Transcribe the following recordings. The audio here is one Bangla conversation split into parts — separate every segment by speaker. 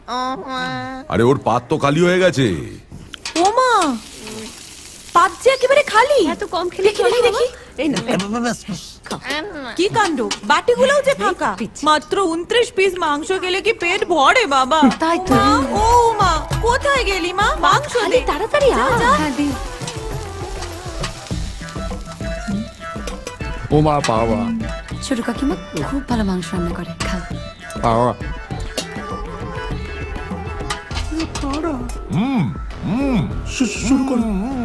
Speaker 1: আরে ওর পাত তো খালি হয়ে গেছে।
Speaker 2: ও মা, পাত যে একেবারে খালি।
Speaker 3: এত কম খেলে
Speaker 2: দেখি দেখি।
Speaker 3: এই না
Speaker 2: কি কাণ্ড, বাটিগুলোও যে ফাঁকা। মাত্র 29 পিস মাংস গেলে কি পেট ভরে বাবা?
Speaker 3: তাই তো।
Speaker 2: মা, ও মা, কোথায় গেলি মা? মাংস দে
Speaker 3: তাড়াতাড়ি আ। হ্যাঁ দি।
Speaker 4: ও মা, পাওয়া
Speaker 3: ছোট কাকিমা খুব ভালো মাংস রান্না করে, খাও।
Speaker 4: পাওয়া
Speaker 5: শুরু করো।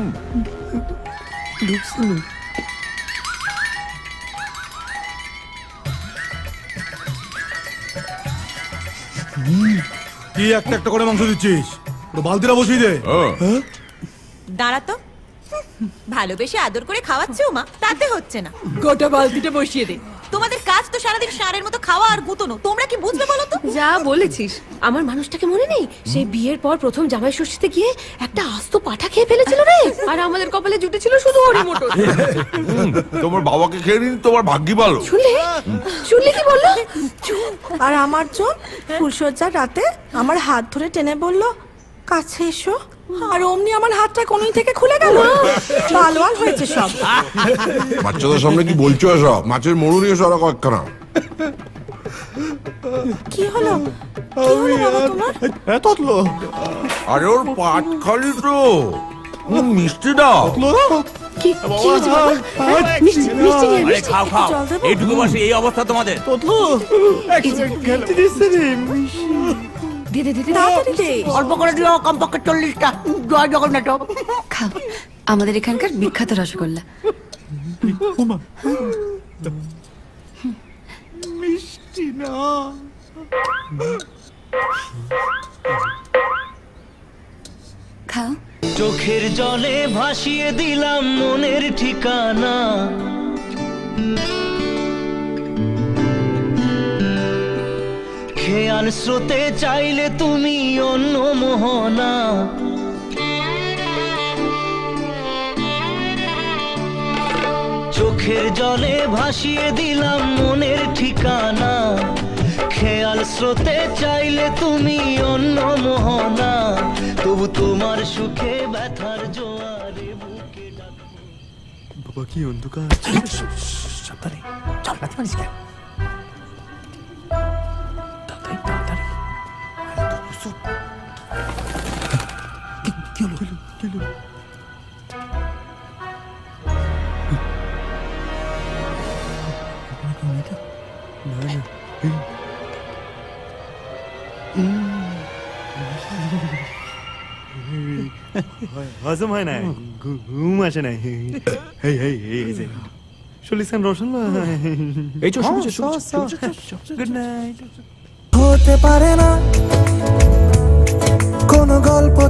Speaker 6: কি একটা একটা করে মাংস দিচ্ছিস? বালতিটা বসিয়ে দে।
Speaker 2: দাঁড়া তো, ভালোবেসে আদর করে খাওয়াচ্ছে ও মা, তাতে হচ্ছে না।
Speaker 7: গোটা বালতিটা বসিয়ে দে।
Speaker 2: তোমাদের কাজ তো সারাদিন ষাঁড়ের মতো খাওয়া আর গুতনো, তোমরা কি বুঝবে বলো তো?
Speaker 3: যা বলেছিস, আমার মানুষটাকে মনে নেই? সেই বিয়ের পর প্রথম জামাই ষষ্ঠীতে গিয়ে একটা আস্ত পাঠা খেয়ে ফেলেছিল রে। আর আমাদের কপালে জুটেছিল শুধু হরি মটর।
Speaker 1: তোমার বাবাকে খেয়ে নিন, তোমার ভাগ্যি ভালো।
Speaker 3: শুনলে শুনলে কি বললো?
Speaker 8: আর আমার জন ফুলসজ্জার রাতে আমার হাত ধরে টেনে বলল, কাছে এসো। আর অমনি আমার হাতটা কোনই থেকে খুলে গেল। ভালো আর হয়েছে সব।
Speaker 1: বাচ্চাদের সামনে কি বলছো এসব? মাছের মরু নিয়ে সরা কয়েকখানা।
Speaker 8: কি হলো? কি হলো বাবা তোমার?
Speaker 6: ততলো
Speaker 1: আরে ওর পাট খালি তো। মিষ্টি দাও।
Speaker 3: কি কি হয়েছে বাবা? মিষ্টি মিষ্টি নিয়ে
Speaker 9: আরে খাও খাও,
Speaker 8: জল দেবো?
Speaker 9: এইটুকু বসে এই অবস্থা তোমাদের।
Speaker 6: ততলো খেলতে দিচ্ছে রে।
Speaker 3: দে দে দে দে।
Speaker 8: তাড়াতাড়ি দে।
Speaker 7: অল্প করে দিও, কমপক্ষে 40টা। জয় জগন্নাথ।
Speaker 3: খাও, আমাদের এখানকার বিখ্যাত রসগোল্লা।
Speaker 6: মিষ্টি না।
Speaker 3: খাও।
Speaker 10: চোখের জলে ভাসিয়ে দিলাম মনের ঠিকানা, খেয়াল স্রোতে চাইলে তুমি অন্য মোহনা, চোখের জলে ভাসিয়ে দিলাম মনের ঠিকানা, খেয়াল স্রোতে চাইলে তুমি অন্য মোহনা, তবু তোমার সুখে ব্যথার জোয়ারে বুকে ডাকবো।
Speaker 6: বাবা কি অন্ধকার।
Speaker 9: সাবধানে চল, রাতে মারিস কেন? তাড়াতাড়ি তাড়াতাড়ি।
Speaker 6: কি হলো? কি হলো? হজম হয় না, ঘুম আসে না। চল্লিশ রোশন।
Speaker 4: এই চো
Speaker 6: গুড নাইট।
Speaker 5: হতে পারে না কোনো গল্প